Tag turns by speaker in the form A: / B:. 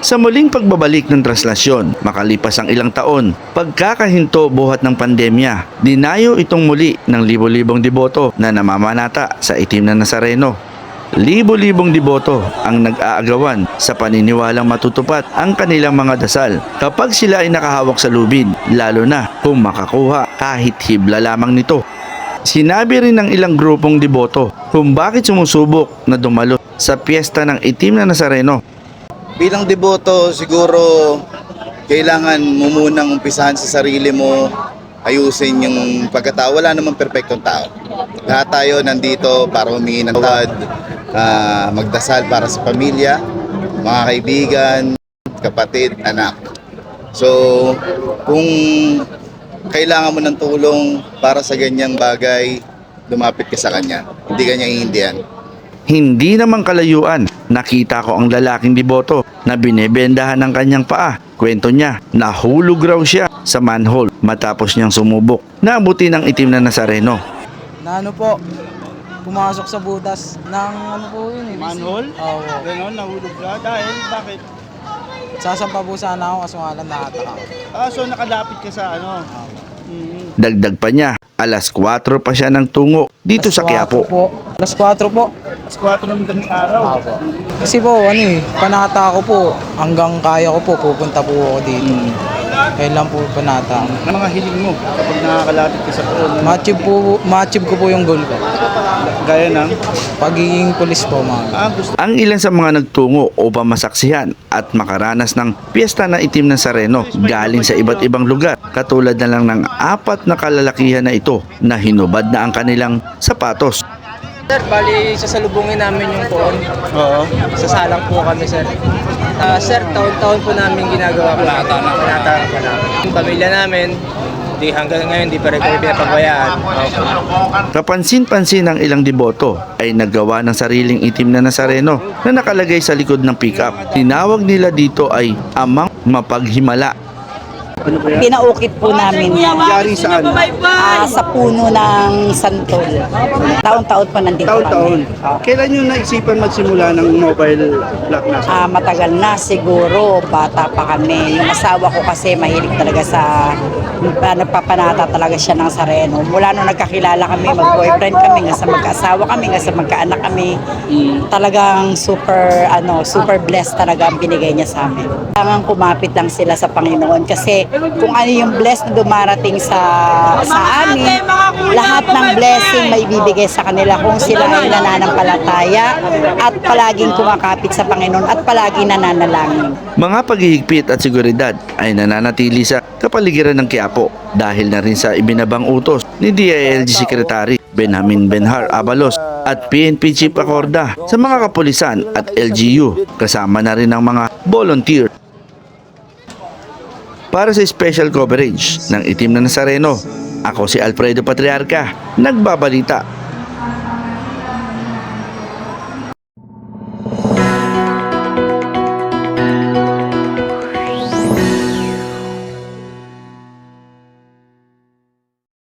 A: Sa muling pagbabalik ng translasyon, makalipas ang ilang taon, pagkakahinto buhat ng pandemya, dinayo itong muli ng libo-libong deboto na namamanata sa itim na Nazareno. Libo-libong deboto ang nag-aagawan sa paniniwalang matutupad ang kanilang mga dasal kapag sila ay nakahawak sa lubid, lalo na kung makakuha kahit hibla lamang nito. Sinabi rin ng ilang grupong deboto kung bakit sumusubok na dumalo sa piyesta ng itim na Nazareno.
B: Bilang deboto, siguro kailangan mo munang umpisahan sa sarili mo, ayusin yung pagkatao. Wala namang perpektong tao. Lahat tayo nandito para humingi ng tawad, magdasal para sa pamilya, mga kaibigan, kapatid, anak. So, kung kailangan mo ng tulong para sa ganyang bagay, lumapit ka sa kanya. Hindi kanya iindihan.
A: Hindi naman kalayuan, nakita ko ang lalaking deboto na binebendahan ng kanyang paa. Kwento niya, nahulog raw siya sa manhole matapos niyang sumubok. Naabuti ng itim na Nazareno.
C: Na ano po, pumasok sa butas ng ano po yun eh.
D: Manhole?
C: Oo.
D: Ganon, nahulog ka? Dahil, bakit?
C: Sasampa po sana ako kaso nga lang nakataka.
D: So nakadapit ka sa ano?
A: Dagdag pa niya, alas 4 pa siya ng tungo dito sa Quiapo.
C: Alas 4 po.
D: Alas 4 ng madaling araw.
C: Kasi po, panata ko po, hanggang kaya ko po, pupunta po ako dito. Kaya lang po panata.
D: Ano mga hiling mo kapag nakakalapit ka sa poon?
C: Ma-achieve ko po yung goal ko.
D: Gaya ng?
C: Pagiging pulis po, mga.
D: Gusto.
A: Ang ilan sa mga nagtungo upang masaksihan at makaranas ng piyesta na itim ng Nazareno galing sa iba't ibang lugar, katulad na lang ng 4 na kalalakihan na ito na hinubad na ang kanilang sapatos.
C: Sir, bali sasalubungin namin yung poon.
D: Oo.
C: Sasalang po kami, sir. Sir, taon-taon po namin ginagawa po. Panata po namin. Yung pamilya namin, hanggang ngayon, di pa rin kami pinapabayaan.
A: Kapansin-pansin ng ilang deboto ay naggawa ng sariling itim na Nazareno na nakalagay sa likod ng pickup. Tinawag nila dito ay amang mapaghimala.
E: Pinaukit po namin yan.
D: Yari saan?
E: Sa puno ng santol. Taon-taon pa nandito
D: Taon-taon.
E: kami.
D: Kailan nyo naisipan magsimula ng mobile block na?
E: Matagal na siguro, bata pa kami. Yung asawa ko kasi mahilig talaga sa nagpapanata talaga siya ng Nazareno. Mula nung nagkakilala kami, mag-boyfriend kami, nga sa magkaasawa kami, nga sa magkaanak kami. Talagang super blessed talaga ang binigay niya sa amin. Kailangan kumapit lang sila sa Panginoon kasi kung ano yung bless na dumarating sa amin, lahat ng blessing may bibigay sa kanila kung sila ay nananampalataya at palaging kumakapit sa Panginoon at palaging nananalangin.
A: Mga paghihigpit at seguridad ay nananatili sa kapaligiran ng Quiapo dahil na rin sa ibinabang utos ni DILG Secretary Benjamin Benhar Abalos at PNP Chief Acorda sa mga kapulisan at LGU, kasama na rin ang mga volunteer. Para sa special coverage ng itim na Nazareno, ako si Alfredo Patriarca, nagbabalita.